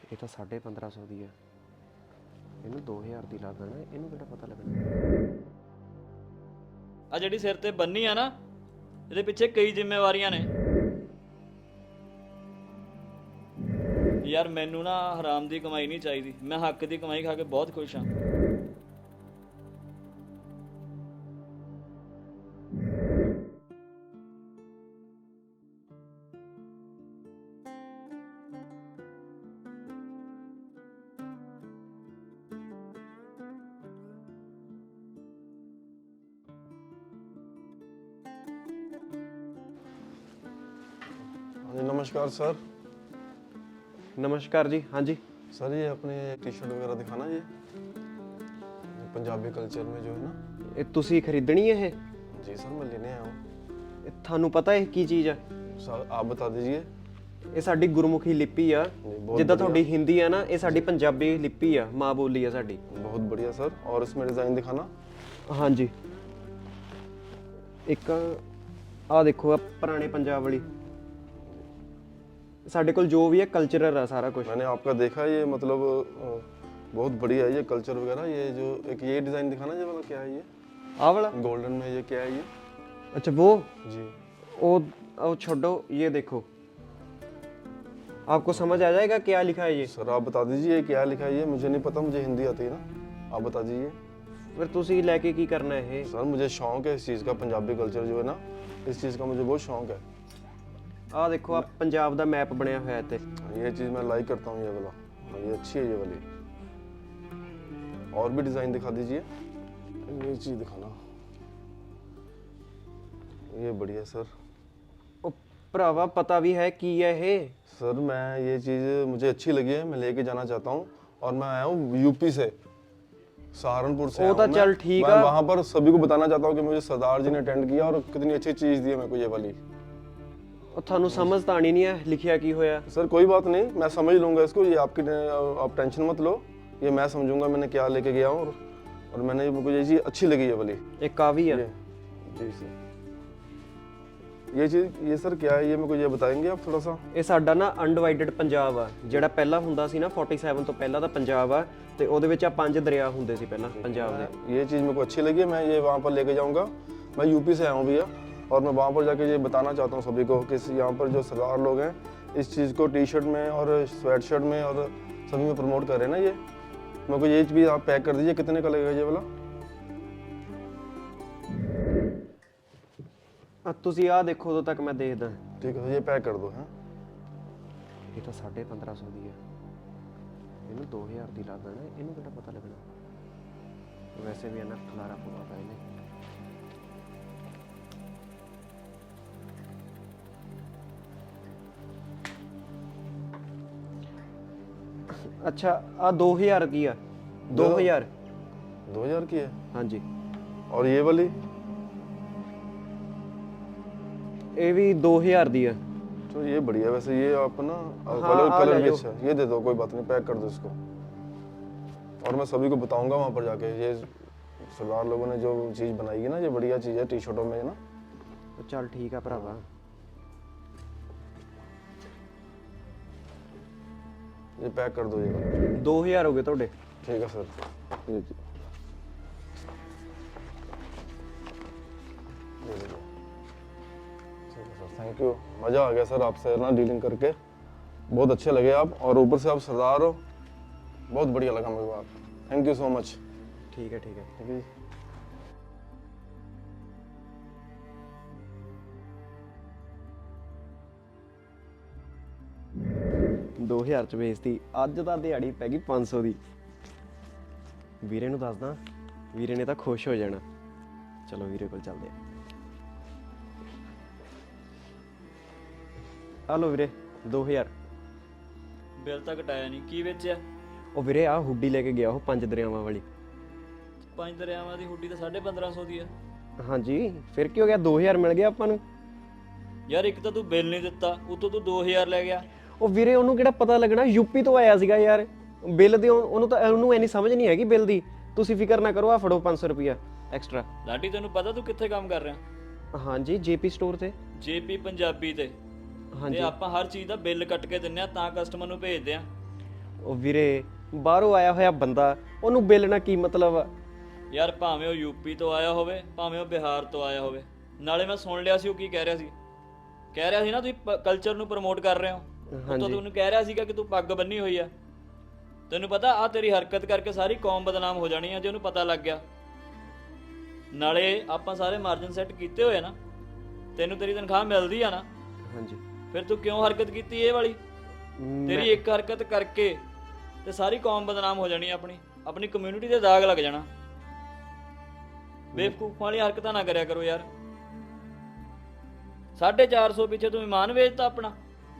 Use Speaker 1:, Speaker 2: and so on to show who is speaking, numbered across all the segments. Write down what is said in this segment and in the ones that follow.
Speaker 1: ਇਹ ਤਾਂ 1550 ਦੀ ਆ, ਇਹਨੂੰ 2000 ਦੀ ਲਾ ਦੇਣਾ, ਇਹਨੂੰ ਕਿਹੜਾ ਪਤਾ ਲੱਗਣਾ।
Speaker 2: ਆ ਜਿਹੜੀ ਸਿਰ ਤੇ ਬੰਨੀ ਆ ਨਾ, ਇਹਦੇ ਪਿੱਛੇ ਕਈ ਜ਼ਿੰਮੇਵਾਰੀਆਂ ਨੇ ਯਾਰ। ਮੈਨੂੰ ਨਾ ਹਰਾਮ ਦੀ ਕਮਾਈ ਨਹੀਂ ਚਾਹੀਦੀ, ਮੈਂ ਹੱਕ ਦੀ ਕਮਾਈ ਖਾ ਕੇ ਬਹੁਤ ਖੁਸ਼ ਹਾਂ।
Speaker 3: नमस्कार सर।
Speaker 1: नमस्कार जी। हाँ जी
Speaker 3: सर, ये अपने टी शर्ट वगैरह दिखाना, ये पंजाबी कल्चर में जो है ना।
Speaker 1: ਇਹ ਤੁਸੀਂ ਖਰੀਦਣੀ ਹੈ ਇਹ?
Speaker 3: जी सर, मैं लेने आया हूँ।
Speaker 1: ਇਹ ਤੁਹਾਨੂੰ ਪਤਾ ਇਹ ਕੀ ਚੀਜ਼ ਆ?
Speaker 3: सर आप बता दीजिए।
Speaker 1: ਇਹ ਸਾਡੀ ਗੁਰਮੁਖੀ ਲਿਪੀ ਆ।
Speaker 3: बहुत
Speaker 1: ਜਿੱਦਾਂ
Speaker 3: बढ़िया।
Speaker 1: ਤੁਹਾਡੀ ਹਿੰਦੀ ਆ ਨਾ, ਇਹ ਸਾਡੀ ਪੰਜਾਬੀ ਲਿਪੀ ਆ, ਮਾਂ ਬੋਲੀ ਆ ਸਾਡੀ।
Speaker 3: बहुत बढ़िया सर। और इसमें डिज़ाइन दिखाना।
Speaker 1: ਹਾਂਜੀ, ਇੱਕ ਆ ਦੇਖੋ, ਆ ਪੁਰਾਣੇ ਪੰਜਾਬ ਵਾਲੀ। ਸਾਡੇ ਕੋਲ ਜੋ ਵੀ ਹੈ ਕਲਚਰਲ ਆ ਸਾਰਾ ਕੁਝ।
Speaker 3: मैंने आपका देखा, ये मतलब बहुत बढ़िया है ये कल्चर वगैरह। ये जो एक ये डिज़ाइन दिखाना, ये वाला क्या है? ये
Speaker 1: ਆ वाला
Speaker 3: गोल्डन में ये क्या है ये?
Speaker 1: अच्छा वो
Speaker 3: जी
Speaker 1: वो छोड़ो, ये देखो, आपको समझ आ जाएगा क्या लिखा है ये।
Speaker 3: सर आप बता दीजिए ये क्या लिखा है? ये मुझे नहीं पता, मुझे हिंदी आती है ना, आप बता दीजिए।
Speaker 1: फिर ਤੁਸੀਂ ਲੈ ਕੇ ਕੀ ਕਰਨਾ ਹੈ?
Speaker 3: सर मुझे शौक है इस चीज़ का, पंजाबी कल्चर जो है ना, इस चीज़ का मुझे बहुत शौक है।
Speaker 1: ਆ ਦੇਖੋ, ਆ ਪੰਜਾਬ ਦਾ ਮੈਪ ਬਣਿਆ ਹੋਇਆ ਇੱਥੇ।
Speaker 3: ये चीज़ मैं लाइक करता हूँ, ये वाला। ये अच्छी है ये वाली। और भी डिज़ाइन दिखा दीजिए। ये चीज़ दिखाना, ये बढ़िया सर।
Speaker 1: ਉਹ ਭਰਾਵਾ ਪਤਾ ਵੀ ਹੈ ਕੀ ਹੈ ਇਹ?
Speaker 3: सर मैं ये चीज़ मुझे अच्छी लगी है, मैं लेके जाना चाहता हूँ। और मैं आया हूँ यूपी से, सहारनपुर से।
Speaker 1: वो तो चल ठीक है।
Speaker 3: मैं वहाँ पर सभी को बताना चाहता हूँ कि मुझे सरदार जी ने अटेंड किया और कितनी अच्छी चीज़ दी है मेरे को ये वाली।
Speaker 1: ਉਹ ਤੁਹਾਨੂੰ ਸਮਝ ਤਾਂ ਆਣੀ ਨਹੀਂ ਹੈ ਲਿਖਿਆ ਕੀ ਹੋਇਆ।
Speaker 3: सर कोई बात नहीं, मैं समझ लूँगा इसको, ये आपकी आप टेंशन मत लो, ये मैं समझूंगा मैंने क्या लेके गया हूँ। और मैंने मुझे ये चीज़ अच्छी लगी ये वाली।
Speaker 1: ਇਹ ਕਾਵੀ ਆ।
Speaker 3: जी सर, ये चीज़ ये सर क्या है ये मेरे को ये बताएंगे आप थोड़ा सा?
Speaker 1: ਇਹ ਸਾਡਾ ਨਾ ਅਨਡਿਵਾਈਡਡ ਪੰਜਾਬ ਆ, ਜਿਹੜਾ ਪਹਿਲਾਂ ਹੁੰਦਾ ਸੀ ਨਾ 47 ਤੋਂ ਪਹਿਲਾਂ ਦਾ ਪੰਜਾਬ ਆ, ਤੇ ਉਹਦੇ ਵਿੱਚ ਆ 5 ਦਰਿਆ ਹੁੰਦੇ ਸੀ ਪਹਿਲਾਂ ਪੰਜਾਬ ਦੇ।
Speaker 3: ये चीज़ मेरे को अच्छी लगी है, मैं ये वहाँ पर लेके जाऊँगा। मैं यूपी से आया हूँ भैया, और मैं वहाँ पर जाके ये बताना चाहता हूँ सभी को कि यहाँ पर जो सरदार लोग हैं इस चीज़ को टी शर्ट में और स्वेट शर्ट में और सभी में प्रमोट कर रहे हैं ना। ये मेरे को ये भी आप पैक कर दीजिए, कितने का लगेगा ये वाला?
Speaker 1: ਤੁਸੀਂ ਆ ਦੇਖੋ, ਉਦੋਂ ਤੱਕ ਮੈਂ ਦੇਖਦਾ।
Speaker 3: ठीक है, ये पैक कर दो। हैं
Speaker 1: ਇਹ ਤਾਂ 1550 ਦੀ ਆ, ਇਹਨੂੰ 2000 ਦੀ ਲਾ ਦੇਣਾ, ਇਹਨੂੰ ਕਿਹੜਾ ਪਤਾ ਲੱਗਣਾ। ਵੈਸੇ ਵੀ ਇਹਨਾਂ ਖਲਾਰਾ ਪਵਾਤਾ ਇਹਨੇ। अच्छा आ 2000 की आ। 2000
Speaker 3: 2000 की है।
Speaker 1: हाँ जी।
Speaker 3: और ये वाली?
Speaker 1: ये भी 2000 दी है।
Speaker 3: तो ये बढ़िया, वैसे ये आप ना
Speaker 1: हाँ,
Speaker 3: कलर
Speaker 1: आ
Speaker 3: कलर
Speaker 1: ले
Speaker 3: भी
Speaker 1: लो।
Speaker 3: अच्छा है। ये दे दो, कोई बात नहीं, पैक कर दो इसको। और मैं सभी को बताऊंगा वहाँ पर जाके, ये सरदार लोगों ने जो चीज़ बनाई है ना, ये बढ़िया चीज़ है टी शर्टों में ना।
Speaker 1: तो चल ठीक है भरावा,
Speaker 3: ये पैक कर दो ये।
Speaker 1: 2000 हो गए थोड़े।
Speaker 3: ठीक है सर। ये थैंक यू, मज़ा आ गया सर आपसे ना डीलिंग करके, बहुत अच्छे लगे आप, और ऊपर से आप सरदार हो, बहुत बढ़िया लगा मेरे को आप। Thank you so much.
Speaker 1: ठीक है ठीक है।
Speaker 3: ठीक है।
Speaker 1: 2000 ਚ ਵੇਚਤੀ। ਅੱਜ ਤਾਂ ਦਿਹਾੜੀ ਪੈ ਗਈ 500 ਦੀ। ਵੀਰੇ ਨੂੰ ਦੱਸਦਾ, ਵੀਰੇ ਨੇ ਤਾਂ ਖੁਸ਼ ਹੋ ਜਾਣਾ। ਚਲੋ ਵੀਰੇ ਕੋਲ ਚੱਲਦੇ ਆ। ਹਲੋ ਵੀਰੇ, 2000।
Speaker 2: ਬਿੱਲ ਤਾਂ ਘਟਾਇਆ ਨਹੀਂ, ਕੀ ਵੇਚਿਆ?
Speaker 1: ਉਹ ਵੀਰੇ ਆ ਹੁੱਡੀ ਲੈ ਕੇ ਗਿਆ, ਉਹ 5 ਦਰਿਆਵਾਂ ਵਾਲੀ।
Speaker 2: 5 ਦਰਿਆਵਾਂ ਦੀ ਹੁੱਡੀ ਤਾਂ 1550 ਦੀ ਆ।
Speaker 1: ਹਾਂਜੀ, ਫਿਰ ਕੀ ਹੋ ਗਿਆ, 2000 ਮਿਲ ਗਿਆ ਆਪਾਂ ਨੂੰ।
Speaker 2: ਯਾਰ ਇੱਕ ਤਾਂ ਤੂੰ ਬਿੱਲ ਨਹੀਂ ਦਿੱਤਾ, ਉਤੋਂ ਤੂੰ 2000 ਲੈ ਗਿਆ।
Speaker 1: ਉਹ ਵੀਰੇ ਉਹਨੂੰ ਕਿਹੜਾ ਪਤਾ ਲੱਗਣਾ, ਯੂਪੀ ਤੋਂ ਆਇਆ ਸੀਗਾ ਯਾਰ। ਬਿੱਲ ਦੀ ਉਹਨੂੰ ਇੰਨੀ ਸਮਝ ਨਹੀਂ ਹੈਗੀ ਬਿੱਲ ਦੀ। ਤੁਸੀਂ ਫਿਕਰ ਨਾ ਕਰੋ, ਆ ਫੜੋ 500 ਰੁਪਿਆ ਐਕਸਟਰਾ।
Speaker 2: ਲਾਡੀ ਤੈਨੂੰ ਪਤਾ ਤੂੰ ਕਿੱਥੇ ਕੰਮ ਕਰ ਰਿਹਾ?
Speaker 1: ਹਾਂਜੀ, ਜੇਪੀ ਸਟੋਰ ਤੇ।
Speaker 2: ਜੇਪੀ ਪੰਜਾਬੀ ਤੇ।
Speaker 1: ਹਾਂਜੀ।
Speaker 2: ਤੇ ਆਪਾਂ ਹਰ ਚੀਜ਼ ਦਾ ਬਿੱਲ ਕੱਟ ਕੇ ਦਿੰਨੇ ਆ, ਤਾਂ ਕਸਟਮਰ ਨੂੰ ਭੇਜਦੇ ਆ।
Speaker 1: ਉਹ ਵੀਰੇ ਬਾਹਰੋਂ ਆਇਆ ਹੋਇਆ ਬੰਦਾ, ਉਹਨੂੰ ਬੇਲਣਾ ਕੀ ਮਤਲਬ ਆ?
Speaker 2: ਯਾਰ ਭਾਵੇਂ ਉਹ ਯੂਪੀ ਤੋਂ ਆਇਆ ਹੋਵੇ, ਭਾਵੇਂ ਉਹ ਬਿਹਾਰ ਤੋਂ ਆਇਆ ਹੋਵੇ, ਨਾਲੇ ਮੈਂ ਸੁਣ ਲਿਆ ਸੀ ਉਹ ਕੀ ਕਹਿ ਰਿਹਾ ਸੀ। ਕਹਿ ਰਿਹਾ ਸੀ ਨਾ ਤੁਸੀਂ ਕਲਚਰ ਨੂੰ ਪ੍ਰਮੋਟ ਕਰ ਰਹੇ ਹੋ। ਉਹ ਤਾਂ ਤੁਹਾਨੂੰ ਕਹਿ ਰਿਹਾ ਸੀਗਾ ਕਿ ਤੂੰ ਪੱਗ ਬੰਨੀ ਹੋਈ ਆ। ਤੈਨੂੰ ਪਤਾ ਆ ਤੇਰੀ ਹਰਕਤ ਕਰਕੇ ਸਾਰੀ ਕੌਮ ਬਦਨਾਮ ਹੋ ਜਾਣੀ ਆ ਜੇ ਉਹਨੂੰ ਪਤਾ ਲੱਗ ਗਿਆ। ਨਾਲੇ ਆਪਾਂ ਸਾਰੇ ਮਾਰਜਨ ਸੈੱਟ ਕੀਤੇ ਹੋਏ ਨਾ, ਤੈਨੂੰ ਤੇਰੀ ਤਨਖਾਹ ਮਿਲਦੀ ਆ ਨਾ,
Speaker 1: ਹਾਂਜੀ।
Speaker 2: ਫਿਰ ਤੂੰ ਕਿਉਂ ਹਰਕਤ ਕੀਤੀ ਇਹ ਵਾਲੀ? ਤੇਰੀ ਇੱਕ ਹਰਕਤ ਕਰਕੇ ਤੇ ਸਾਰੀ ਕੌਮ ਬਦਨਾਮ ਹੋ ਜਾਣੀ, ਆਪਣੀ ਕਮਿਊਨਿਟੀ ਤੇ ਦਾਗ ਲੱਗ ਜਾਣਾ। ਬੇਵਕੂਫ ਵਾਲੀ ਹਰਕਤਾਂ ਨਾ ਕਰਿਆ ਕਰੋ ਯਾਰ। 450 ਪਿੱਛੇ ਤੂੰ ਇਮਾਨ ਵੇਚਤਾ ਆਪਣਾ।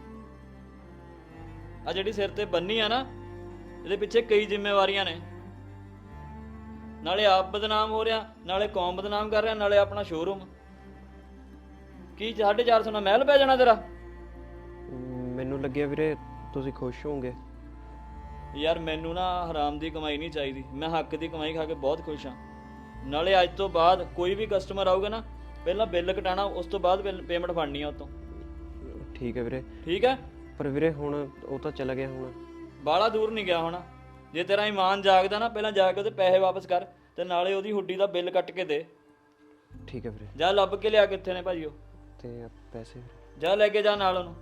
Speaker 2: ਆ ਜਿਹੜੀ ਸਿਰ ਤੇ ਬੰਨੀ ਆ ਨਾ, ਇਹਦੇ ਪਿੱਛੇ ਕਈ ਜ਼ਿੰਮੇਵਾਰੀਆਂ ਨੇ। ਨਾਲੇ ਆਪ ਬਦਨਾਮ ਹੋ ਰਿਹਾ, ਨਾਲੇ ਕੌਮ ਬਦਨਾਮ ਕਰ ਰਿਹਾ, ਨਾਲੇ ਆਪਣਾ ਸ਼ੋਰੂਮ। ਕੀ 450 ਨਾਲ ਮਹਿਲ ਪੈ ਜਾਣਾ ਤੇਰਾ?
Speaker 1: ਮੈਨੂੰ ਲੱਗਿਆ ਵੀਰੇ ਤੁਸੀਂ ਖੁਸ਼ ਹੋਵੋਗੇ।
Speaker 2: ਯਾਰ ਮੈਨੂੰ ਨਾ ਹਰਾਮ ਦੀ ਕਮਾਈ ਨਹੀਂ ਚਾਹੀਦੀ, ਮੈਂ ਹੱਕ ਦੀ ਕਮਾਈ ਖਾ ਕੇ ਬਹੁਤ ਖੁਸ਼ ਹਾਂ। ਨਾਲੇ ਅੱਜ ਤੋਂ ਬਾਅਦ ਕੋਈ ਵੀ ਕਸਟਮਰ ਆਊਗਾ ਨਾ, ਪਹਿਲਾਂ ਬਿੱਲ ਕਟਾਣਾ, ਉਸ ਤੋਂ ਬਾਅਦ ਪੇਮੈਂਟ ਫੜਨੀ ਆ ਉਹ ਤੋਂ।
Speaker 1: ਠੀਕ ਹੈ ਵੀਰੇ।
Speaker 2: ਠੀਕ ਹੈ।
Speaker 1: ਪਰ ਵੀਰੇ ਹੁਣ ਉਹ ਤਾਂ ਚਲਾ ਗਿਆ, ਹੁਣ
Speaker 2: ਬਾਹਲਾ ਦੂਰ ਨਹੀਂ ਗਿਆ ਹੋਣਾ। ਜੇ ਤੇਰਾ ਇਮਾਨ ਜਾਗਦਾ ਨਾ, ਪਹਿਲਾਂ ਜਾ ਕੇ ਉਹਦੇ ਪੈਸੇ ਵਾਪਸ ਕਰ ਤੇ ਨਾਲੇ ਉਹਦੀ ਹੁੱਡੀ ਦਾ ਬਿੱਲ ਕੱਟ ਕੇ ਦੇ।
Speaker 1: ਠੀਕ ਹੈ ਵੀਰੇ।
Speaker 2: ਜਾ ਲੱਭ ਕੇ ਲਿਆ, ਕਿੱਥੇ ਨੇ ਭਾਜੀ ਉਹ?
Speaker 1: ਤੇ ਪੈਸੇ ਵੀਰੇ?
Speaker 2: ਜਾ ਲੈ ਕੇ ਜਾ ਨਾਲ ਉਹਨੂੰ।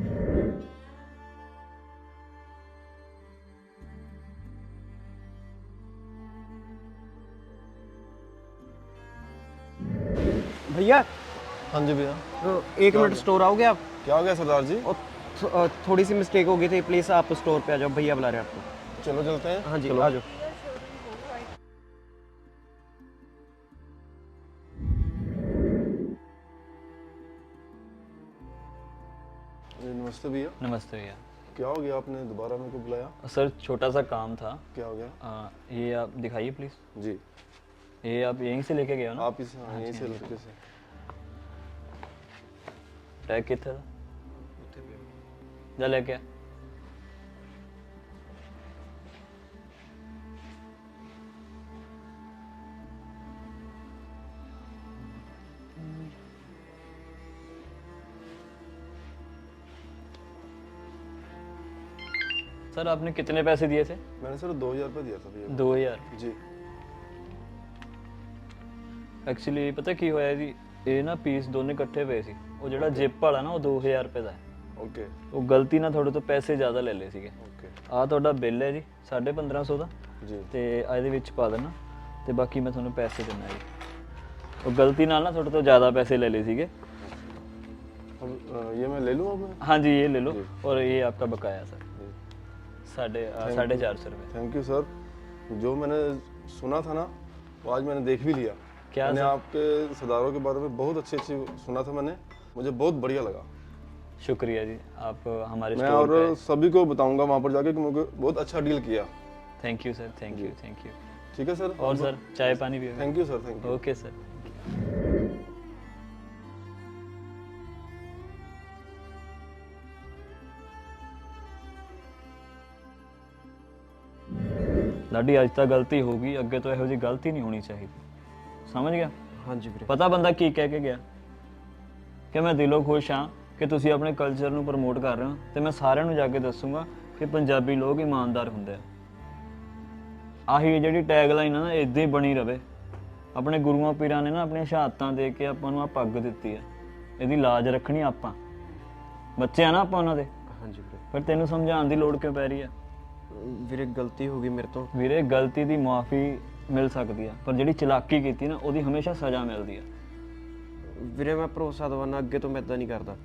Speaker 1: भैया
Speaker 3: हाँ जी भैया।
Speaker 1: एक मिनट, स्टोर आओगे आप?
Speaker 3: क्या हो गया सरदार जी?
Speaker 1: और थोड़ी सी मिस्टेक हो गई थी, प्लीज़ आप स्टोर पे आ जाओ, भैया बुला रहे हैं आपको।
Speaker 3: चलो चलते हैं।
Speaker 1: हाँ जी,
Speaker 3: चलो।
Speaker 1: आ जाओ।
Speaker 3: नमस्ते भैया।
Speaker 2: नमस्ते भैया।
Speaker 3: क्या हो गया, आपने दोबारा मेरे को बुलाया?
Speaker 2: सर छोटा सा काम था।
Speaker 3: क्या हो गया?
Speaker 2: ये आप दिखाइए प्लीज़।
Speaker 3: जी।
Speaker 2: ये आप यहीं से लेके गए हो ना?
Speaker 3: आप इस यहीं से लड़के से।
Speaker 2: टैग कितना था? जा लेके आ। सर आपने कितने पैसे दिए थे?
Speaker 3: मैंने सर 2000 रुपये दिया था भैया।
Speaker 2: 2000?
Speaker 3: जी।
Speaker 2: ਐਕਚੁਅਲੀ ਪਤਾ ਕੀ ਹੋਇਆ ਜੀ, ਇਹ ਨਾ ਪੀਸ ਦੋਨੇ ਇਕੱਠੇ ਪਏ ਸੀ। ਉਹ ਜਿਹੜਾ ਜਿਪ ਵਾਲਾ ਨਾ ਉਹ 2000 ਰੁਪਏ ਦਾ ਹੈ।
Speaker 3: ओके
Speaker 2: ਉਹ ਗਲਤੀ ਨਾਲ ਤੁਹਾਡੇ ਤੋਂ ਪੈਸੇ ਜ਼ਿਆਦਾ ਲੈ ਲਏ ਸੀਗੇ।
Speaker 3: ओके
Speaker 2: ਆਹ ਤੁਹਾਡਾ ਬਿੱਲ ਹੈ ਜੀ 1550 ਦਾ,
Speaker 3: जी।
Speaker 2: ਤੇ ਇਹਦੇ ਵਿੱਚ ਪਾ ਦੇਣਾ, ਤੇ ਬਾਕੀ ਮੈਂ ਤੁਹਾਨੂੰ ਪੈਸੇ ਦਿੰਦਾ ਜੀ। ਉਹ ਗਲਤੀ ਨਾਲ ਨਾ ਤੁਹਾਡੇ ਤੋਂ ਜ਼ਿਆਦਾ ਪੈਸੇ ਲੈ ਲਏ ਸੀਗੇ।
Speaker 3: अब ये मैं ले लूँ अब?
Speaker 2: हाँ जी ये ले लो, और ये आपका बकाया सर, 450 रुपये।
Speaker 3: Thank you sir. जो मैंने सुना था ना, वो आज मैंने देख भी लिया।
Speaker 2: क्या
Speaker 3: मैंने
Speaker 2: सर?
Speaker 3: आपके सरदारों के बारे में बहुत अच्छी सुना था मैंने, मुझे बहुत बढ़िया लगा।
Speaker 2: शुक्रिया जी, आप हमारे
Speaker 3: मैं
Speaker 2: स्टोर
Speaker 3: और सभी को बताऊंगा वहाँ पर जाके कि मुझे बहुत अच्छा डील किया।
Speaker 2: Thank you sir, thank you, thank you.
Speaker 3: ठीक है सर।
Speaker 2: और सर चाय पानी भी?
Speaker 3: Thank you sir, thank you.
Speaker 2: Okay sir. Ladi ਅੱਜ ਤਾਂ ਗਲਤੀ ਹੋ ਗਈ, ਅੱਗੇ ਤੋਂ ਇਹੋ ਜਿਹੀ ਗਲਤੀ ਨਹੀਂ ਹੋਣੀ ਚਾਹੀਦੀ। ਸਮਝ ਗਿਆ?
Speaker 1: हाँ जी ਵੀਰੇ।
Speaker 2: ਪਤਾ ਬੰਦਾ ਕੀ ਕਹਿ ਕੇ ਗਿਆ ਕਿ ਮੈਂ ਦਿਲੋਂ ਖੁਸ਼ ਹਾਂ ਕਿ ਤੁਸੀਂ ਆਪਣੇ ਕਲਚਰ ਨੂੰ ਪ੍ਰਮੋਟ ਕਰ ਰਹੇ ਹੋ, ਤੇ ਮੈਂ ਸਾਰਿਆਂ ਨੂੰ ਜਾ ਕੇ ਦੱਸੂਗਾ ਕਿ ਪੰਜਾਬੀ ਲੋਕ ਇਮਾਨਦਾਰ ਹੁੰਦੇ ਆ। ਆਹੀ ਜਿਹੜੀ ਟੈਗ ਲਾਈਨ ਆ ਨਾ, ਇਦਾਂ ਹੀ ਬਣੀ ਰਵੇ। ਆਪਣੇ ਗੁਰੂਆਂ ਪੀਰਾਂ ਨੇ ਨਾ ਆਪਣੀਆਂ ਸ਼ਹਾਦਤਾਂ ਦੇ ਕੇ ਆਪਾਂ ਨੂੰ ਆ ਪੱਗ ਦਿੱਤੀ ਆ, ਇਹਦੀ ਲਾਜ ਰੱਖਣੀ ਆਪਾਂ। ਬੱਚੇ ਆ ਨਾ ਆਪਾਂ ਉਹਨਾਂ ਦੇ।
Speaker 1: हाँ जी ਵੀਰੇ।
Speaker 2: ਫਿਰ ਤੈਨੂੰ ਸਮਝਾਉਣ ਦੀ ਲੋੜ ਕਿਉਂ ਪੈ ਰਹੀ ਆ?
Speaker 1: ਵੀਰੇ ਗਲਤੀ ਹੋ ਗਈ ਮੇਰੇ ਤੋਂ।
Speaker 2: ਵੀਰੇ ਗਲਤੀ ਦੀ ਮੁਆਫੀ ਮਿਲ ਸਕਦੀ ਆ, ਪਰ ਜਿਹੜੀ ਚਲਾਕੀ ਕੀਤੀ ਨਾ ਉਹਦੀ ਹਮੇਸ਼ਾ ਸਜ਼ਾ ਮਿਲਦੀ ਆ।
Speaker 1: ਵੀਰੇ ਮੈਂ ਭਰੋਸਾ ਦਵਾਨਾ, ਅੱਗੇ ਤੋਂ ਮੈਂ ਇਦਾਂ ਨਹੀਂ ਕਰਦਾ।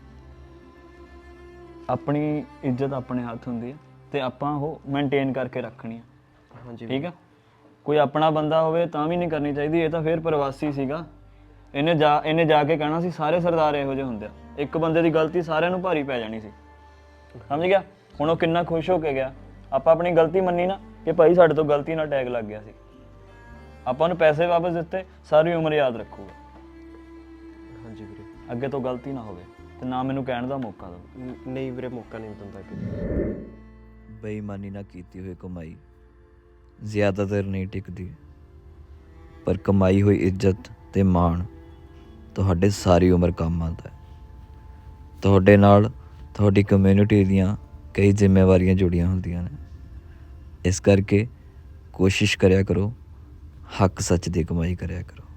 Speaker 2: ਆਪਣੀ ਇੱਜ਼ਤ ਆਪਣੇ ਹੱਥ ਹੁੰਦੀ ਆ, ਤੇ ਆਪਾਂ ਉਹ ਮੇਨਟੇਨ ਕਰਕੇ ਰੱਖਣੀ ਆ।
Speaker 1: हाँ जी
Speaker 2: ਠੀਕ ਆ? ਕੋਈ ਆਪਣਾ ਬੰਦਾ ਹੋਵੇ ਤਾਂ ਵੀ ਨਹੀਂ ਕਰਨੀ ਚਾਹੀਦੀ। ਇਹ ਤਾਂ ਫਿਰ ਪ੍ਰਵਾਸੀ ਸੀਗਾ, ਇਹਨੇ ਜਾ ਕੇ ਕਹਿਣਾ ਸੀ ਸਾਰੇ ਸਰਦਾਰ ਇਹੋ ਜਿਹੇ ਹੁੰਦੇ ਆ। ਇੱਕ ਬੰਦੇ ਦੀ ਗਲਤੀ ਸਾਰਿਆਂ ਨੂੰ ਭਾਰੀ ਪੈ ਜਾਣੀ ਸੀ। ਸਮਝ ਗਿਆ? ਹੁਣ ਉਹ ਕਿੰਨਾ ਖੁਸ਼ ਹੋ ਕੇ ਗਿਆ। ਆਪਾਂ ਆਪਣੀ ਗਲਤੀ ਮੰਨੀ ਨਾ ਕਿ ਭਾਈ ਸਾਡੇ ਤੋਂ ਗਲਤੀ ਨਾਲ ਟੈਗ ਲੱਗ ਗਿਆ ਸੀ, ਆਪਾਂ ਨੂੰ ਪੈਸੇ ਵਾਪਸ ਦਿੱਤੇ, ਸਾਰੀ ਉਮਰ ਯਾਦ ਰੱਖੂਗਾ।
Speaker 1: हाँ जी ਵੀਰੇ।
Speaker 2: ਅੱਗੇ ਤੋਂ ਗਲਤੀ ਨਾ ਹੋਵੇ, ਤੇ ਨਾ ਮੈਨੂੰ ਕਹਿਣ ਦਾ ਮੌਕਾ ਦਿਓ।
Speaker 1: ਨਹੀਂ ਵੀਰੇ, ਮੌਕਾ ਨਹੀਂ ਦਿੰਦਾ ਕਿ।
Speaker 4: ਬੇਈਮਾਨੀ ਨਾਲ ਕੀਤੀ ਹੋਈ ਕਮਾਈ ਜ਼ਿਆਦਾਤਰ ਨਹੀਂ ਟਿਕਦੀ, ਪਰ ਕਮਾਈ ਹੋਈ ਇੱਜ਼ਤ ਤੇ ਮਾਣ ਤੁਹਾਡੇ ਸਾਰੀ ਉਮਰ ਕੰਮ ਆਉਂਦਾ ਹੈ। ਤੁਹਾਡੇ ਨਾਲ ਤੁਹਾਡੀ ਕਮਿਊਨਿਟੀ ਦੀਆਂ ਕਈ ਜ਼ਿੰਮੇਵਾਰੀਆਂ ਜੁੜੀਆਂ ਹੁੰਦੀਆਂ ਨੇ। ਇਸ ਕਰਕੇ ਕੋਸ਼ਿਸ਼ ਕਰਿਆ ਕਰੋ, ਹੱਕ ਸੱਚ ਦੀ ਕਮਾਈ ਕਰਿਆ ਕਰੋ।